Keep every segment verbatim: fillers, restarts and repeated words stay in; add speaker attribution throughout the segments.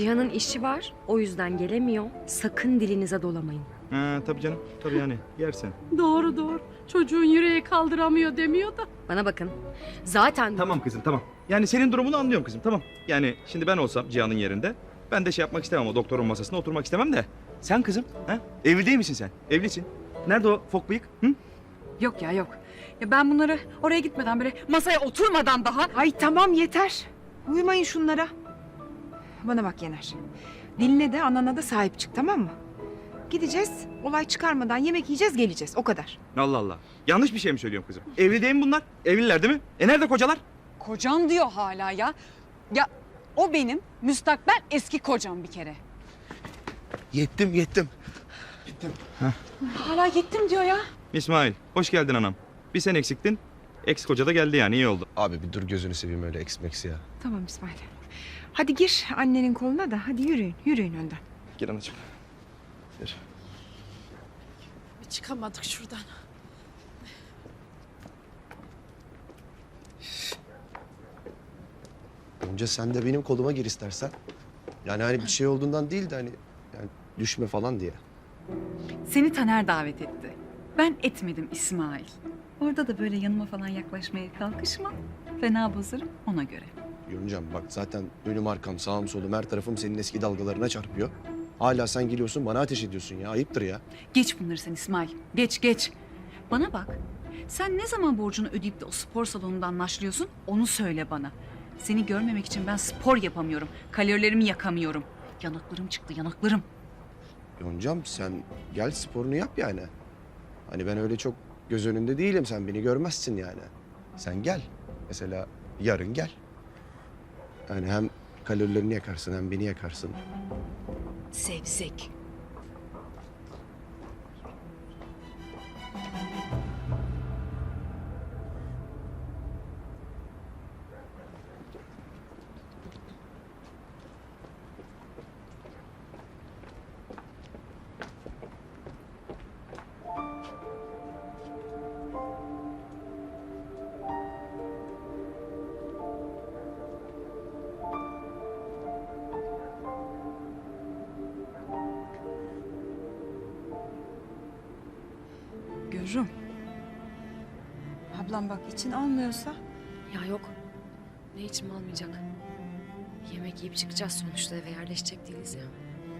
Speaker 1: Cihan'ın işi var, o yüzden gelemiyor. Sakın dilinize dolamayın.
Speaker 2: Ha, tabii canım, tabii yani yersin.
Speaker 3: Doğru doğru. Çocuğun yüreği kaldıramıyor demiyor da.
Speaker 1: Bana bakın. Zaten...
Speaker 2: Tamam kızım, tamam. Yani senin durumunu anlıyorum kızım, tamam. Yani şimdi ben olsam Cihan'ın yerinde, ben de şey yapmak istemem, o doktorun masasına oturmak istemem de. Sen kızım, ha? Evli değil misin sen? Evlisin. Nerede o fok bıyık? Hı?
Speaker 4: Yok ya yok. Ya ben bunları oraya gitmeden böyle masaya oturmadan daha...
Speaker 5: Ay tamam yeter. Uyumayın şunlara. Bana bak Yener. Diline de anana da sahip çık, tamam mı? Gideceğiz, olay çıkarmadan yemek yiyeceğiz, geleceğiz. O kadar.
Speaker 2: Allah Allah. Yanlış bir şey mi söylüyorum kızım? Evli değil mi bunlar? Evliler değil mi? E nerede kocalar?
Speaker 4: Kocam diyor hala ya. Ya o benim müstakbel eski kocam bir kere.
Speaker 6: Yettim yettim.
Speaker 4: Hala gittim diyor ya.
Speaker 2: İsmail, hoş geldin anam. Bir sen eksiktin, ex koca da geldi yani, iyi oldu.
Speaker 6: Abi bir dur gözünü seveyim öyle eksmeksi ya.
Speaker 5: Tamam İsmail. Hadi gir annenin koluna da, hadi yürüyün, yürüyün önden.
Speaker 2: Gel anacığım. Gel.
Speaker 3: Bir çıkamadık şuradan.
Speaker 6: Önce sen de benim koluma gir istersen. Yani hani bir şey olduğundan değil de hani yani düşme falan diye.
Speaker 4: Seni Taner davet etti. Ben etmedim İsmail. Orada da böyle yanıma falan yaklaşmaya kalkışma. Fena bozarım ona göre.
Speaker 6: Yoncam bak zaten önüm arkam sağım solum her tarafım senin eski dalgalarına çarpıyor. Hala sen geliyorsun bana ateş ediyorsun ya, ayıptır ya.
Speaker 4: Geç bunları sen İsmail. Geç geç. Bana bak. Sen ne zaman borcunu ödeyip de o spor salonundan naşlıyorsun onu söyle bana. Seni görmemek için ben spor yapamıyorum. Kalorilerimi yakamıyorum. Yanaklarım çıktı yanaklarım.
Speaker 6: Yoncam sen gel sporunu yap yani. Hani ben öyle çok göz önünde değilim, sen beni görmezsin yani. Sen gel. Mesela yarın gel. Yani hem kalorilerini yakarsın hem beni yakarsın.
Speaker 4: Sevzek.
Speaker 5: Görürüm. Ablam bak için almıyorsa.
Speaker 1: Ya yok. Ne içim almayacak. Yemek yiyip çıkacağız sonuçta, eve yerleşecek değiliz ya.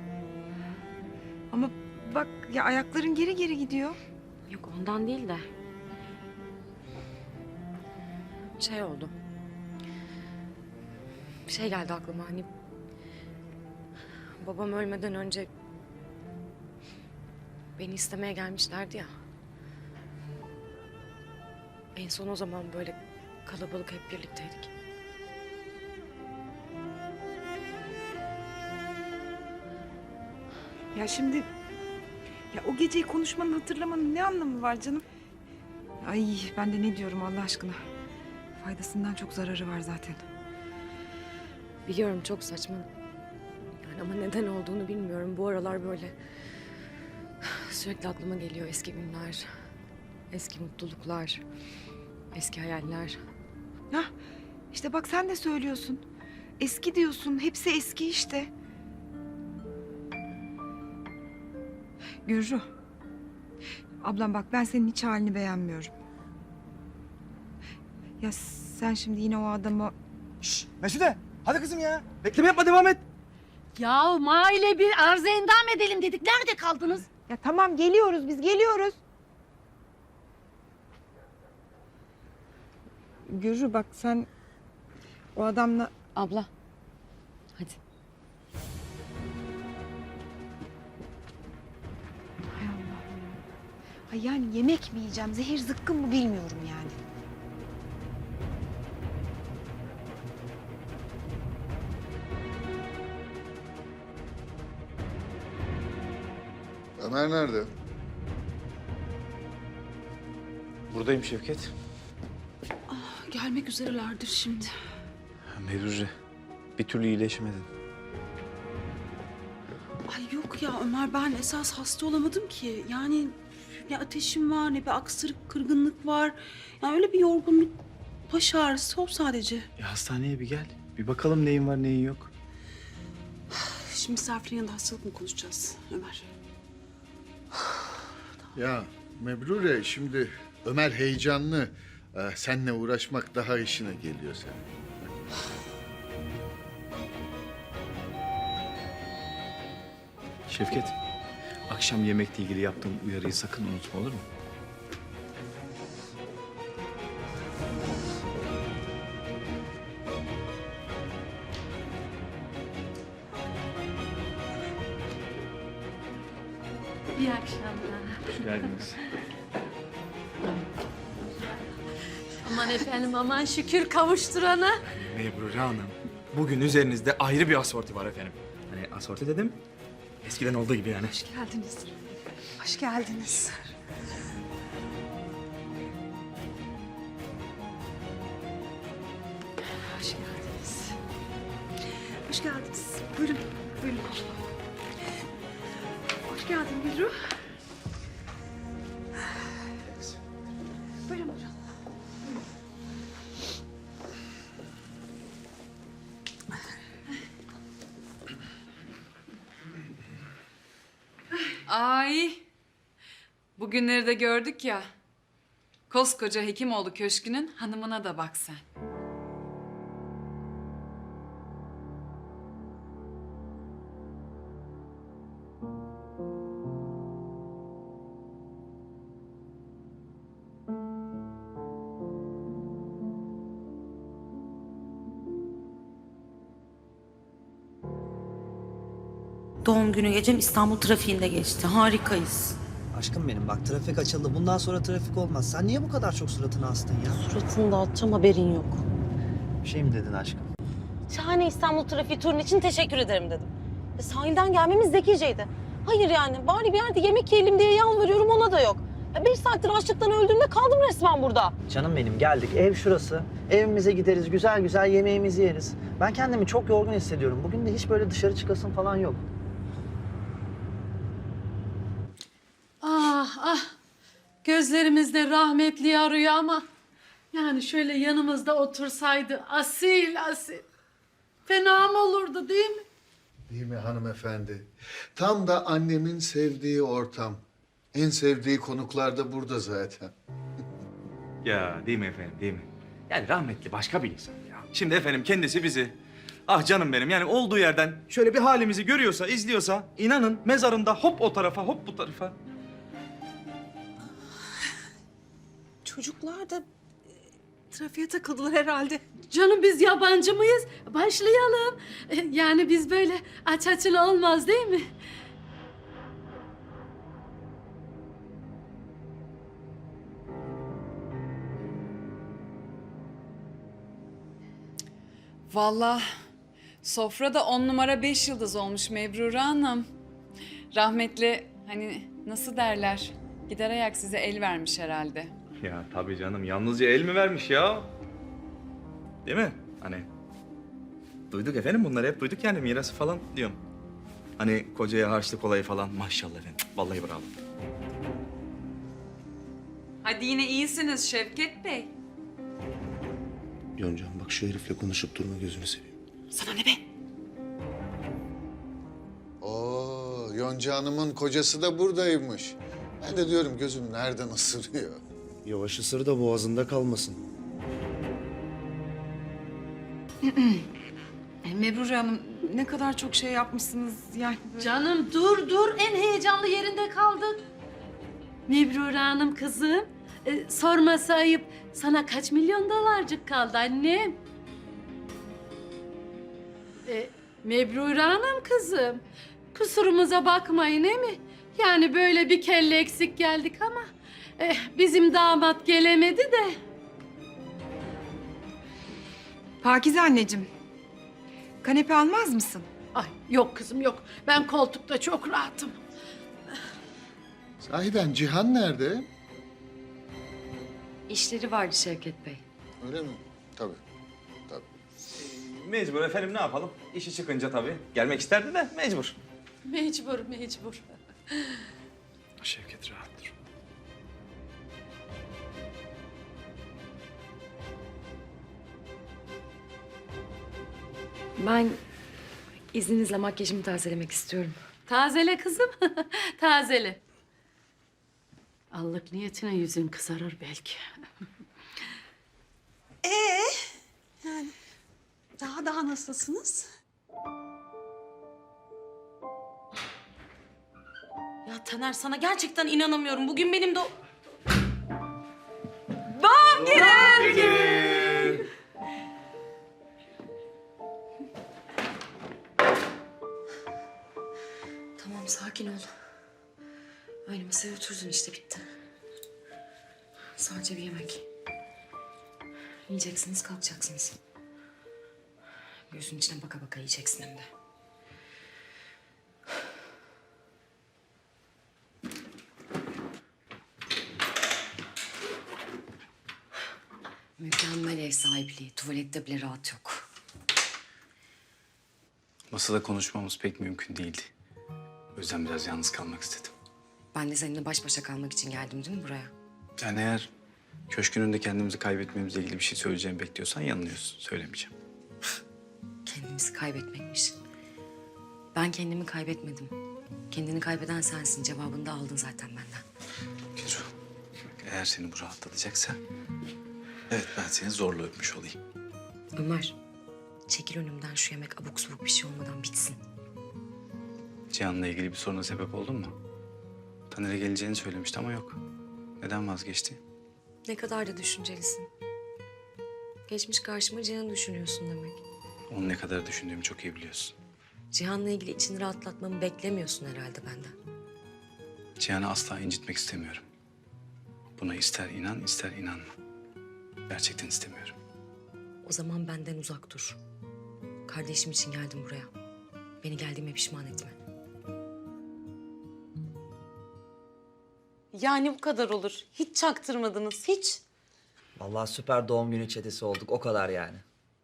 Speaker 5: Ama bak ya ayakların geri geri gidiyor.
Speaker 1: Yok ondan değil de. Şey oldu. Bir şey geldi aklıma, hani... Babam ölmeden önce... Beni istemeye gelmişlerdi ya. En son o zaman böyle kalabalık hep birlikteydik.
Speaker 5: Ya şimdi ya o geceyi konuşmanın, hatırlamanın ne anlamı var canım? Ay ben de ne diyorum Allah aşkına. Faydasından çok zararı var zaten.
Speaker 1: Biliyorum çok saçma. Yani ama neden olduğunu bilmiyorum. Bu aralar böyle sürekli aklıma geliyor eski günler, eski mutluluklar, eski hayaller.
Speaker 5: Hah işte bak sen de söylüyorsun. Eski diyorsun, hepsi eski işte. Gürru. Ablam bak ben senin hiç halini beğenmiyorum. Ya sen şimdi yine o adamı...
Speaker 2: Şşş Mesude, hadi kızım ya. Bekleme yapma, devam et.
Speaker 3: Ya maile bir arıza endam edelim dedik. Nerede kaldınız?
Speaker 5: Ya tamam geliyoruz biz geliyoruz. Gürru bak sen o adamla...
Speaker 1: Abla, hadi.
Speaker 5: Hay Allah. Ay yani yemek mi yiyeceğim, zehir zıkkım mı bilmiyorum yani.
Speaker 7: Ömer nerede?
Speaker 8: Buradayım Şevket.
Speaker 3: Gelmek üzerelerdir şimdi.
Speaker 8: Mevruce, bir türlü iyileşmedin.
Speaker 3: Ay yok ya Ömer, ben esas hasta olamadım ki. Yani ne ateşim var, ne bir aksırık, kırgınlık var. Yani öyle bir yorgunluk, baş ağrısı o sadece.
Speaker 8: Ya hastaneye bir gel. Bir bakalım neyin var neyin yok.
Speaker 3: Şimdi misafirin yanında hastalık mı konuşacağız Ömer?
Speaker 7: Ya Mebrure şimdi Ömer heyecanlı. Ee, seninle uğraşmak daha işine geliyor senin.
Speaker 8: Şevket, akşam yemekle ilgili yaptığım uyarıyı sakın unutma, olur mu?
Speaker 9: İyi akşamlar.
Speaker 8: Hoş geldiniz.
Speaker 9: Aman efendim aman şükür kavuşturana.
Speaker 2: Mebrure Hanım, bugün üzerinizde ayrı bir asorti var efendim. Hani asorti dedim, eskiden olduğu gibi yani.
Speaker 5: Hoş geldiniz. Hoş geldiniz. Hoş geldiniz. Hoş geldiniz. Buyurun, buyurun. Hoş geldin Gülru. Buyurun, buyurun.
Speaker 4: Ay. Bugünleri de gördük ya. Koskoca Hekimoğlu Köşkü'nün hanımına da bak sen.
Speaker 10: Doğum günü gecem İstanbul trafiğinde geçti. Harikayız.
Speaker 11: Aşkım benim bak trafik açıldı. Bundan sonra trafik olmaz. Sen niye bu kadar çok suratını astın ya?
Speaker 10: Suratını dağıtacağım haberin yok.
Speaker 11: Bir şey mi dedin aşkım?
Speaker 10: Şahane İstanbul trafiği turun için teşekkür ederim dedim. E, sahilden gelmemiz zekiceydi. Hayır yani bari bir yerde yemek yiyelim diye yalvarıyorum ona da yok. Ya beş saattir açlıktan öldüğümde kaldım resmen burada.
Speaker 11: Canım benim geldik. Ev şurası. Evimize gideriz. Güzel güzel yemeğimizi yeriz. Ben kendimi çok yorgun hissediyorum. Bugün de hiç böyle dışarı çıkasım falan yok.
Speaker 9: Ah ah. Gözlerimizde rahmetli arıyor ama yani şöyle yanımızda otursaydı asil asil. Fena mı olurdu değil mi?
Speaker 7: Değil mi hanımefendi? Tam da annemin sevdiği ortam. En sevdiği konuklar da burada zaten.
Speaker 2: Ya değil mi efendim, değil mi? Yani rahmetli başka bir insan ya. Şimdi efendim kendisi bizi, ah canım benim yani olduğu yerden şöyle bir halimizi görüyorsa, izliyorsa inanın mezarında hop o tarafa hop bu tarafa.
Speaker 3: Çocuklar da e, trafiğe takıldılar herhalde.
Speaker 9: Canım biz yabancı mıyız? Başlayalım. Yani biz böyle aç açılı olmaz değil mi?
Speaker 4: Vallahi sofra da on numara beş yıldız olmuş Mebrure Hanım. Rahmetli hani nasıl derler? Gider ayak size el vermiş herhalde.
Speaker 2: Ya tabii canım yalnızca el mi vermiş ya? Değil mi? Hani duyduk efendim bunları hep duyduk yani mirası falan diyorum. Hani kocaya harçlık olayı falan maşallah efendim. Vallahi bravo.
Speaker 4: Hadi yine iyisiniz Şevket Bey.
Speaker 6: Yoncam bak şu herifle konuşup durma gözünü seveyim.
Speaker 3: Sana ne be?
Speaker 7: Oo, Yonca Hanım'ın kocası da buradaymış. Ben de diyorum gözüm nereden ısırıyor.
Speaker 6: Yavaş ısır da boğazında kalmasın.
Speaker 5: Mebrure Hanım ne kadar çok şey yapmışsınız yani.
Speaker 9: Canım dur dur en heyecanlı yerinde kaldık. Mebrure Hanım kızım. E, sorması ayıp. Sana kaç milyon dolarcık kaldı annem? E, Mebrure Hanım kızım. Kusurumuza bakmayın değil mi? Yani böyle bir kelle eksik geldik ama eh, bizim damat gelemedi de.
Speaker 5: Pakize anneciğim. Kanepe almaz mısın?
Speaker 9: Ay yok kızım yok. Ben koltukta çok rahatım.
Speaker 7: Sahiden Cihan nerede?
Speaker 1: İşleri vardı Şevket Bey.
Speaker 7: Öyle mi? Tabii. Tabii.
Speaker 2: Mecbur efendim ne yapalım? İşi çıkınca tabii. Gelmek isterdi de mecbur.
Speaker 9: Mecbur mecbur.
Speaker 8: Şevket rahat dur.
Speaker 1: Ben İzninizle makyajımı tazelemek istiyorum.
Speaker 9: Tazele kızım, tazele. Allık niyetine yüzün kızarır belki.
Speaker 3: Daha daha nasılsınız?
Speaker 10: Ya Taner sana gerçekten inanamıyorum. Bugün benim de o...
Speaker 1: Tamam, sakin ol. Aynı masaya oturdun işte, bitti. Sadece bir yemek. Yiyeceksiniz, kalkacaksınız. Gözünün içine baka baka yiyeceksin hem de. Mükemmel ev sahipliği. Tuvalette bile rahat yok.
Speaker 8: Masada konuşmamız pek mümkün değildi. O yüzden biraz yalnız kalmak istedim.
Speaker 1: Ben de seninle baş başa kalmak için geldim değil mi buraya?
Speaker 8: Yani eğer köşkün önünde kendimizi kaybetmemizle ilgili bir şey söyleyeceğimi bekliyorsan yanılıyorsun. Söylemeyeceğim.
Speaker 1: Kendimizi kaybetmekmiş. Ben kendimi kaybetmedim. Kendini kaybeden sensin. Cevabını da aldın zaten benden.
Speaker 8: Gülru, bak eğer seni bu rahatlatacaksa... Evet, ben seni zorla öpmüş olayım.
Speaker 1: Ömer, çekil önümden, şu yemek abuk subuk bir şey olmadan bitsin.
Speaker 8: Cihan'la ilgili bir soruna sebep oldun mu? Taner'e geleceğini söylemişti ama yok. Neden vazgeçti?
Speaker 1: Ne kadar da düşüncelisin. Geçmiş karşıma Cihan'ı düşünüyorsun demek.
Speaker 8: Onu ne kadar düşündüğümü çok iyi biliyorsun.
Speaker 1: Cihan'la ilgili içini rahatlatmamı beklemiyorsun herhalde benden.
Speaker 8: Cihan'ı asla incitmek istemiyorum. Buna ister inan, ister inanma. Gerçekten istemiyorum.
Speaker 1: O zaman benden uzak dur. Kardeşim için geldim buraya. Beni geldiğime pişman etme.
Speaker 10: Yani bu kadar olur. Hiç çaktırmadınız, hiç.
Speaker 11: Vallahi süper doğum günü çetesi olduk. O kadar yani.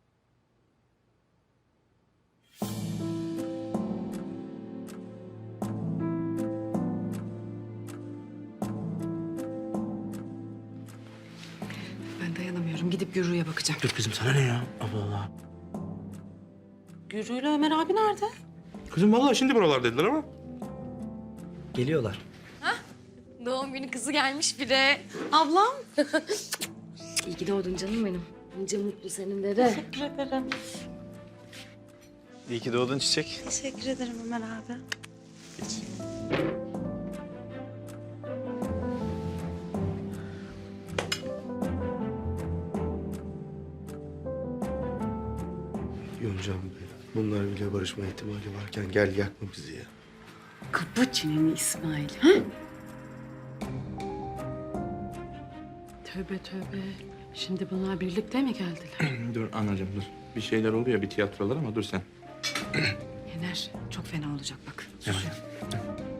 Speaker 1: Ben dayanamıyorum. Gidip Gürru'ya bakacağım.
Speaker 12: Dur kızım, sana ne ya? Allah Allah.
Speaker 10: Gürü ile Ömer abi nerede?
Speaker 12: Kızım vallahi şimdi buralar dediler ama.
Speaker 11: Geliyorlar.
Speaker 1: Doğum günü kızı gelmiş bir de.
Speaker 10: Ablam.
Speaker 1: İyi ki doğdun canım benim. Nice mutlu senin de de.
Speaker 10: Teşekkür ederim.
Speaker 8: İyi ki doğdun Çiçek.
Speaker 10: Teşekkür ederim Ömer abi.
Speaker 12: Yoncam be, bunlar bile barışma ihtimali varken gel yakma bizi ya.
Speaker 9: Kapı çeneni İsmail. Ha? Tövbe tövbe. Şimdi bunlar birlikte mi geldiler?
Speaker 12: Dur anacığım dur. Bir şeyler oluyor, bir tiyatrolar ama dur sen.
Speaker 1: Yener, çok fena olacak bak.
Speaker 12: Evet.